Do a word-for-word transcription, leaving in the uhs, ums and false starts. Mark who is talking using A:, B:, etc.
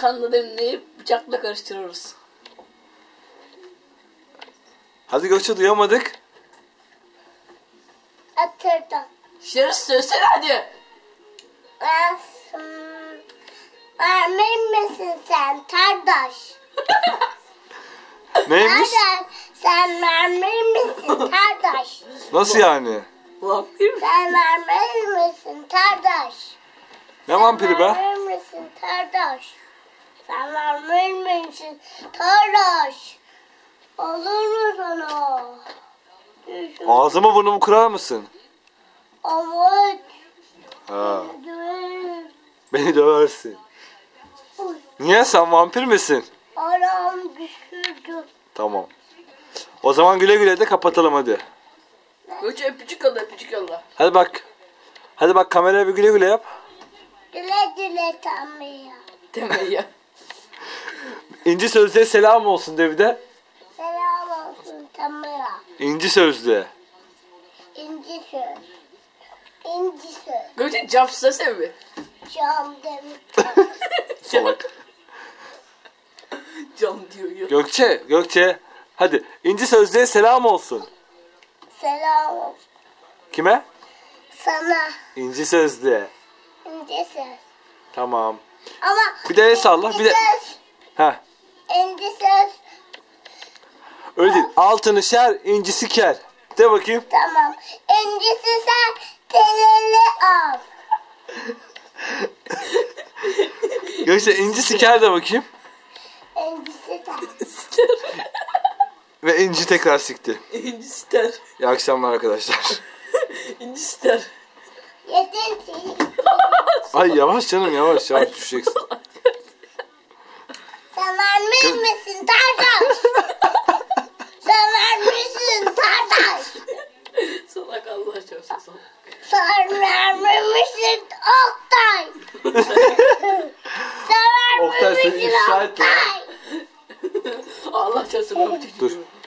A: kanla demleyip bıçakla karıştırıyoruz.
B: Hadi Gökçe, duyamadık.
C: Atırdım.
A: Şerif söylesene hadi.
C: Mermin misin sen kardeş?
B: Neymiş?
C: Kardeş sen mermin misin kardeş?
B: Nasıl yani?
A: Vampir mi?
C: Sen mermin misin kardeş?
B: Ne vampiri be?
C: Mermin misin kardeş? Sen mermin misin kardeş? Olur mu sana?
B: Ağzımı burnumu kırar mısın?
C: Ama
B: Ha. Beni döversin. Niye, sen vampir misin?
C: aram düşürdü.
B: Tamam. O zaman güle güle de kapatalım hadi.
A: Gökçe öpücük yolla, öpücük yolla.
B: Hadi bak. Hadi bak, kameraya bir güle güle yap.
C: Güle güle Tanrı'ya.
A: Deme ya.
B: İnci Sözlüğe selam olsun de bir de.
C: Selam olsun Tanrı'ya.
B: İnci Sözlüğe.
C: İnci söz. İnci söz.
A: Gökçe cam söylesene bir.
C: Cam demir.
B: Salak.
A: Cam diyor ya.
B: Gökçe, Gökçe. Hadi İnci Sözlüğe selam olsun.
C: Selam olsun.
B: Kime?
C: Sana.
B: İnci Sözlüğe.
C: İnci söz.
B: Tamam.
C: Ama
B: Bir de el salla,
C: İnci
B: bir de-
C: söz.
B: Heh.
C: İnci söz.
B: Öyle değil. Altını şer, incisi ker. De bakayım.
C: Tamam. İncisi sen teleli al.
B: Gökçe, incisi ker de bakayım.
C: İncisi sen.
B: Ve inci tekrar sikti.
A: İnci ister.
B: İyi akşamlar arkadaşlar.
A: İnci ister.
C: Yeter ki.
B: Ay yavaş canım, yavaş yavaş düşeceksin.
C: Sen vermiş misin kardeş? Sen vermişsin kardeş.
A: Salak Allah çarpsın salak.
C: Sen vermemişsin Oktay. Sen
B: Oktay, seni
C: vermemişsin
B: ifşa etme.
C: Oktay.
A: Allah çarpsın öpücük.
B: Dur.